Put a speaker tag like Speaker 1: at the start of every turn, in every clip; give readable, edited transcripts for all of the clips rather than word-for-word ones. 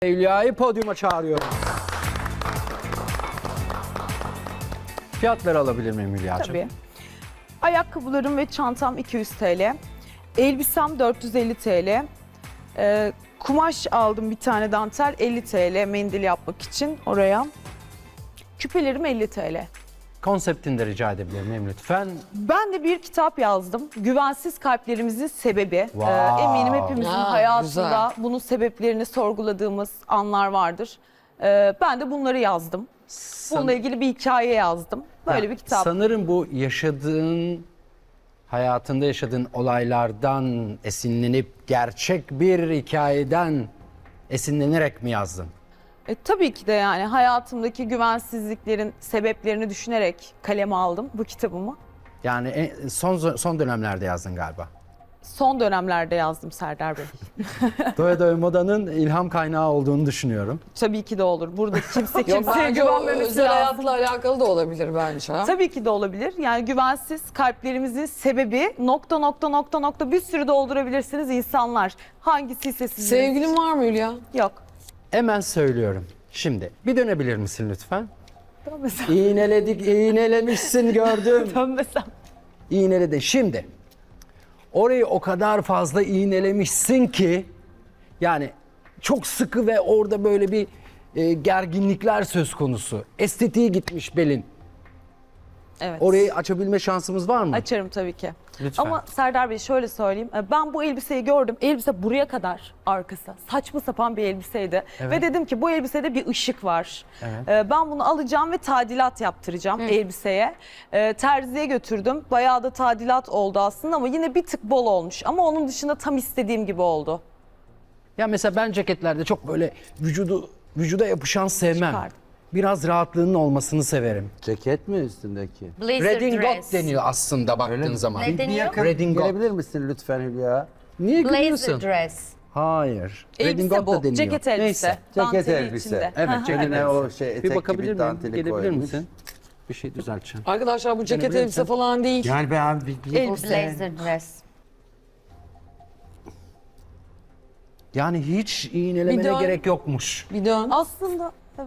Speaker 1: Hülya'yı podyuma çağırıyorum. Fiyatları alabilir miyim Hülya'cığım?
Speaker 2: Tabii. Ayakkabılarım ve çantam 200 TL. Elbisem 450 TL. Kumaş aldım bir tane dantel 50 TL mendil yapmak için oraya. Küpelerim 50 TL.
Speaker 1: Konseptini de rica edebilir miyim lütfen?
Speaker 2: Ben de bir kitap yazdım. Güvensiz kalplerimizin sebebi.
Speaker 1: Wow.
Speaker 2: Eminim hepimizin
Speaker 3: Ya,
Speaker 2: hayatında
Speaker 3: güzel.
Speaker 2: bunun sebeplerini sorguladığımız anlar vardır. Ben de bunları yazdım. Bununla ilgili bir hikaye yazdım. Böyle bir kitap.
Speaker 1: Sanırım bu hayatında yaşadığın olaylardan esinlenip gerçek bir hikayeden esinlenerek mi yazdın?
Speaker 2: Tabii ki de yani hayatımdaki güvensizliklerin sebeplerini düşünerek kaleme aldım bu kitabımı.
Speaker 1: Yani son dönemlerde yazdın galiba.
Speaker 2: Son dönemlerde yazdım Serdar Bey.
Speaker 1: Doya Doya Moda'nın ilham kaynağı olduğunu düşünüyorum.
Speaker 2: Tabii ki de olur. Burada kimse
Speaker 3: Yok
Speaker 2: kimseye
Speaker 3: bence o
Speaker 2: güvenmemesi
Speaker 3: özel
Speaker 2: lazım.
Speaker 3: hayatla alakalı da olabilir bence.
Speaker 2: Tabii ki de olabilir. Yani güvensiz kalplerimizin sebebi ... bir sürü doldurabilirsiniz insanlar. Hangisi ise sizin.
Speaker 3: Sevgilin var mı Hülya?
Speaker 2: Yok.
Speaker 1: Hemen söylüyorum. Şimdi bir dönebilir misin lütfen?
Speaker 2: Dönmesem.
Speaker 1: İğnelemişsin gördüm.
Speaker 2: Dönmesem.
Speaker 1: İğneledin. Şimdi orayı o kadar fazla iğnelemişsin ki yani çok sıkı ve orada böyle bir gerginlikler söz konusu. Estetiği gitmiş belin.
Speaker 2: Evet.
Speaker 1: Orayı açabilme şansımız var mı?
Speaker 2: Açarım tabii ki.
Speaker 1: Lütfen.
Speaker 2: Ama Serdar Bey şöyle söyleyeyim. Ben bu elbiseyi gördüm. Elbise buraya kadar arkası. Saçma sapan bir elbiseydi.
Speaker 1: Evet.
Speaker 2: Ve dedim ki bu elbisede bir ışık var.
Speaker 1: Evet.
Speaker 2: Ben bunu alacağım ve tadilat yaptıracağım elbiseye. Terziye götürdüm. Bayağı da tadilat oldu aslında ama yine bir tık bol olmuş. Ama onun dışında tam istediğim gibi oldu.
Speaker 1: Ya mesela ben ceketlerde çok böyle vücuda yapışan sevmem.
Speaker 2: Çıkardım.
Speaker 1: Biraz rahatlığının olmasını severim.
Speaker 4: Ceket mi üstündeki?
Speaker 5: Blazer
Speaker 1: Redingot
Speaker 5: dress.
Speaker 1: deniyor aslında baktığın zaman.
Speaker 5: Ne deniyor?
Speaker 1: Redingot.
Speaker 4: Gelebilir misin lütfen Hülya?
Speaker 1: Niye
Speaker 5: Blazer
Speaker 1: gülüyorsun?
Speaker 5: dress.
Speaker 1: Hayır.
Speaker 2: Elbise
Speaker 1: Redingot
Speaker 2: bu.
Speaker 1: da deniyor.
Speaker 2: Ceket elbise.
Speaker 1: Neyse.
Speaker 4: Ceket
Speaker 2: Danteli
Speaker 4: elbise.
Speaker 2: içinde.
Speaker 1: Evet, ceket
Speaker 4: Eline
Speaker 1: elbise.
Speaker 4: o şey etek
Speaker 1: Bir bakabilir
Speaker 4: gibi
Speaker 1: miyim?
Speaker 4: danteli
Speaker 1: Gelebilir
Speaker 4: koymuş.
Speaker 1: misin? Bir şey düzelteceğim.
Speaker 3: Arkadaşlar bu ceket
Speaker 1: Görebilir
Speaker 3: elbise
Speaker 1: misin?
Speaker 3: falan değil.
Speaker 4: Yani ben bir
Speaker 2: Elbise.
Speaker 5: Blazer dress.
Speaker 1: Yani hiç
Speaker 3: Bir
Speaker 1: iğnelemene
Speaker 3: dön.
Speaker 1: gerek yokmuş.
Speaker 3: Bir dön.
Speaker 2: Aslında evet.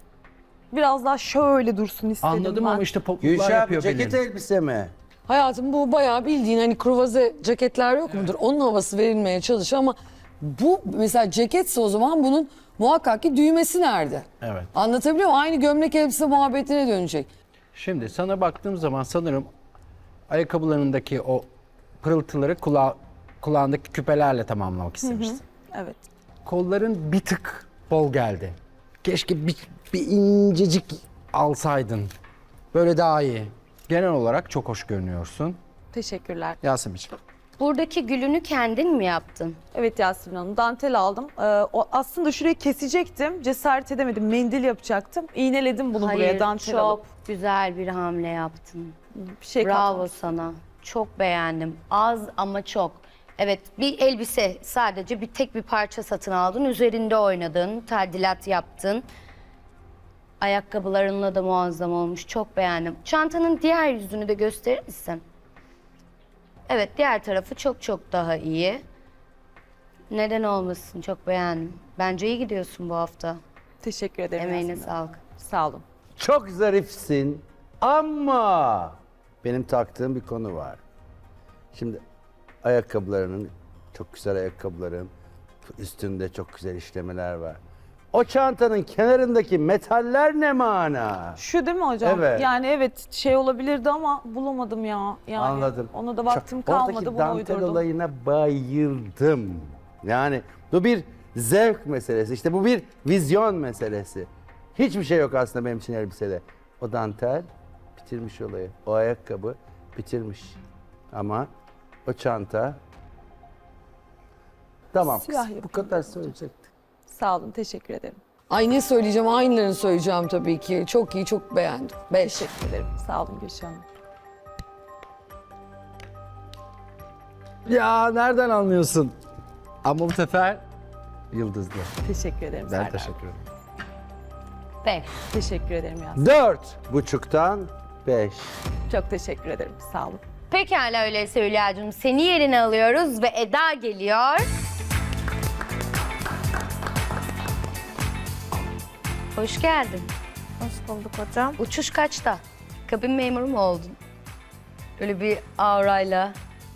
Speaker 2: Biraz daha şöyle dursun istedim
Speaker 1: Anladım
Speaker 2: ben.
Speaker 1: ama işte popuklar
Speaker 4: Gülşah
Speaker 1: yapıyor
Speaker 4: ceket
Speaker 1: benim.
Speaker 4: elbise mi?
Speaker 3: Hayatım bu bayağı bildiğin hani kruvaze ceketler yok mudur? Onun havası verilmeye çalışıyor ama bu mesela ceketse o zaman bunun muhakkak ki düğmesi nerede?
Speaker 1: Evet.
Speaker 3: Anlatabiliyor muyum? Aynı gömlek elbise muhabbetine dönecek.
Speaker 1: Şimdi sana baktığım zaman sanırım ayakkabılarındaki o pırıltıları kulağındaki küpelerle tamamlamak istemişsin.
Speaker 2: Evet.
Speaker 1: Kolların bir tık bol geldi. Keşke bir incecik alsaydın. Böyle daha iyi. Genel olarak çok hoş görünüyorsun.
Speaker 2: Teşekkürler.
Speaker 1: Yasemin'ciğim.
Speaker 5: Buradaki gülünü kendin mi yaptın?
Speaker 2: Evet Yasemin Hanım, dantel aldım. Aslında şurayı kesecektim, cesaret edemedim. Mendil yapacaktım. İğneledim bunu buraya,
Speaker 5: Hayır,
Speaker 2: dantel
Speaker 5: çok
Speaker 2: alıp.
Speaker 5: güzel bir hamle yaptın.
Speaker 2: Bir şey
Speaker 5: Bravo
Speaker 2: katmadım.
Speaker 5: sana. Çok beğendim. Az ama çok. Evet, bir elbise sadece tek bir parça satın aldın. Üzerinde oynadın, tadilat yaptın. Ayakkabılarınla da muazzam olmuş. Çok beğendim. Çantanın diğer yüzünü de gösterir misin? Evet, diğer tarafı çok çok daha iyi. Neden olmasın? Çok beğendim. Bence iyi gidiyorsun bu hafta.
Speaker 2: Teşekkür ederim
Speaker 5: Emeğine
Speaker 2: Yasemin Hanım.
Speaker 5: sağlık.
Speaker 2: Sağ olun.
Speaker 4: Çok zarifsin ama benim taktığım bir konu var. Şimdi ayakkabılarının, çok güzel ayakkabıların üstünde çok güzel işlemeler var. O çantanın kenarındaki metaller ne mana?
Speaker 2: Şu değil mi hocam?
Speaker 4: Evet.
Speaker 2: Yani evet şey olabilirdi ama bulamadım ya. Yani
Speaker 4: Anladım.
Speaker 2: ona da vaktim
Speaker 4: Çok-
Speaker 2: kalmadı,
Speaker 4: Oradaki
Speaker 2: bunu
Speaker 4: dantel
Speaker 2: uydurdum.
Speaker 4: olayına bayıldım. Yani bu bir zevk meselesi. İşte bu bir vizyon meselesi. Hiçbir şey yok aslında benim için elbisede. O dantel bitirmiş olayı. O ayakkabı bitirmiş. Ama o çanta... Tamam
Speaker 2: Siyah
Speaker 4: kız, bu
Speaker 2: yapayım.
Speaker 4: kadar söyleyecektim.
Speaker 2: Sağ olun, teşekkür ederim.
Speaker 3: Ay ne söyleyeceğim? Aynılarını söyleyeceğim tabii ki. Çok iyi, çok beğendim. 5.
Speaker 2: Teşekkür ederim. Sağ olun Gülşah Hanım.
Speaker 1: Ya nereden anlıyorsun? Ama bu sefer yıldızlı.
Speaker 2: Teşekkür ederim
Speaker 1: Ben
Speaker 2: Serdar.
Speaker 1: teşekkür ederim.
Speaker 5: 5.
Speaker 2: Teşekkür ederim Yasemin.
Speaker 4: 4,5'tan 5.
Speaker 2: Çok teşekkür ederim. Sağ olun.
Speaker 5: Pekala öyleyse Hülya'cığım. Seni yerine alıyoruz ve Eda geliyor. Hoş geldin.
Speaker 6: Hoş bulduk hocam.
Speaker 5: Uçuş kaçta? Kabin memuru mu oldun? Böyle bir aurayla.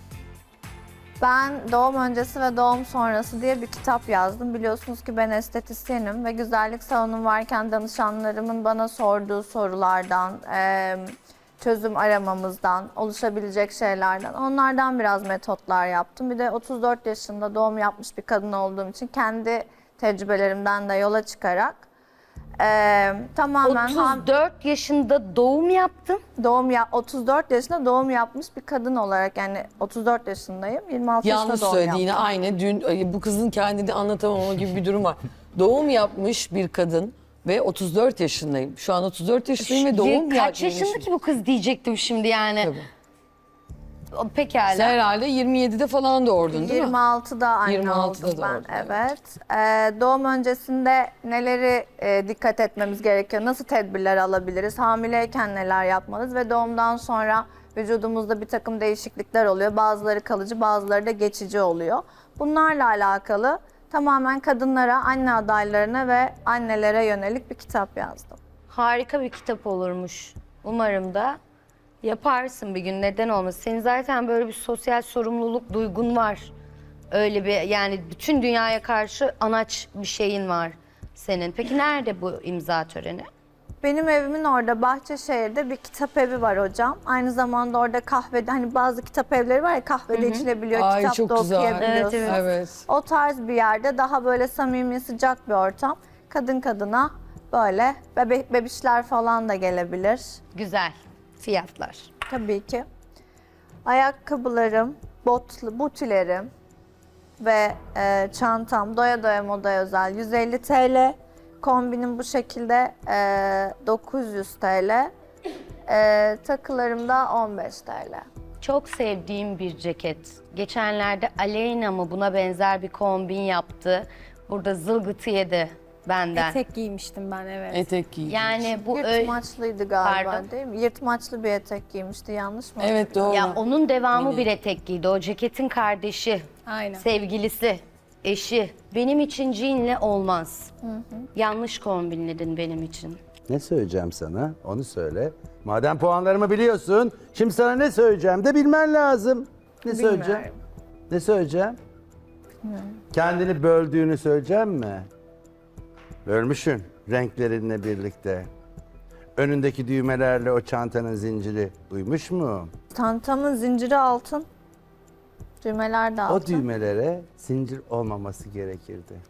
Speaker 6: Ben doğum öncesi ve doğum sonrası diye bir kitap yazdım. Biliyorsunuz ki ben estetisyenim ve güzellik salonum varken danışanlarımın bana sorduğu sorulardan, çözüm aramamızdan, oluşabilecek şeylerden, onlardan biraz metotlar yaptım. Bir de 34 yaşında doğum yapmış bir kadın olduğum için kendi tecrübelerimden de yola çıkarak tamamen
Speaker 5: 34 yaşında doğum yaptın.
Speaker 6: 34 yaşında doğum yapmış bir kadın olarak, yani 34 yaşındayım, 26
Speaker 3: Yanlış
Speaker 6: yaşında doğum
Speaker 3: söyledi
Speaker 6: yaptım.
Speaker 3: yine aynı. Dün bu kızın kendini anlatamama gibi bir durum var. Doğum yapmış bir kadın ve 34 yaşındayım. Şu an 34 yaşındayım ve doğum
Speaker 5: Kaç
Speaker 3: yapmış.
Speaker 5: yaşında ki bu kız diyecektim şimdi yani.
Speaker 3: Tabii.
Speaker 5: Pekala.
Speaker 3: Sen herhalde 27'de falan doğurdun değil mi?
Speaker 6: 26'da anne
Speaker 3: 26'da
Speaker 6: oldum ben,
Speaker 3: doğdun,
Speaker 6: evet. Doğum öncesinde neleri dikkat etmemiz gerekiyor, nasıl tedbirler alabiliriz, hamileyken neler yapmalıyız ve doğumdan sonra vücudumuzda bir takım değişiklikler oluyor. Bazıları kalıcı, bazıları da geçici oluyor. Bunlarla alakalı tamamen kadınlara, anne adaylarına ve annelere yönelik bir kitap yazdım.
Speaker 5: Harika bir kitap olurmuş. Umarım da yaparsın bir gün. Neden olmasın? Senin zaten böyle bir sosyal sorumluluk duygun var. Öyle bir, yani bütün dünyaya karşı anaç bir şeyin var senin. Peki nerede bu imza töreni?
Speaker 6: Benim evimin orada Bahçeşehir'de bir kitap evi var hocam. Aynı zamanda orada kahvede, hani bazı kitap evleri var ya, kahvede içilebiliyor,
Speaker 3: Ay,
Speaker 6: kitap
Speaker 3: çok
Speaker 6: da
Speaker 3: güzel.
Speaker 6: okuyabiliyorsun.
Speaker 5: Evet,
Speaker 3: Evet.
Speaker 6: O tarz bir yerde, daha böyle samimi, sıcak bir ortam. Kadın kadına böyle bebişler falan da gelebilir.
Speaker 5: Güzel. Fiyatlar.
Speaker 6: Tabii ki. Ayakkabılarım, butilerim ve çantam doya doya modaya özel 150 TL. Kombinim bu şekilde 900 TL. Takılarım da 15 TL.
Speaker 5: Çok sevdiğim bir ceket. Geçenlerde Aleyna mı buna benzer bir kombin yaptı. Burada zılgıtı yedi benden.
Speaker 7: Etek giymiştim ben, evet.
Speaker 3: Etek giy.
Speaker 5: Yani bu
Speaker 6: Yırtmaçlıydı galiba,
Speaker 5: Pardon?
Speaker 6: değil mi? Yırtmaçlı bir etek giymişti, yanlış mı?
Speaker 3: Evet doğru.
Speaker 5: ya onun devamı bir etek giydi. O ceketin kardeşi,
Speaker 7: Aynen.
Speaker 5: sevgilisi, eşi. Benim için jeanle olmaz. Yanlış kombinledin benim için.
Speaker 4: Ne söyleyeceğim sana? Onu söyle. Madem puanlarımı biliyorsun, şimdi sana ne söyleyeceğim de bilmen lazım. Ne söyleyeceğim? Ne söyleyeceğim? Kendini böldüğünü söyleyeceğim mi? Bölmüşsün renklerinle birlikte. Önündeki düğmelerle o çantanın zinciri uymuş mu?
Speaker 6: Çantamın zinciri altın. Düğmeler de altın.
Speaker 4: O düğmelere zincir olmaması gerekirdi.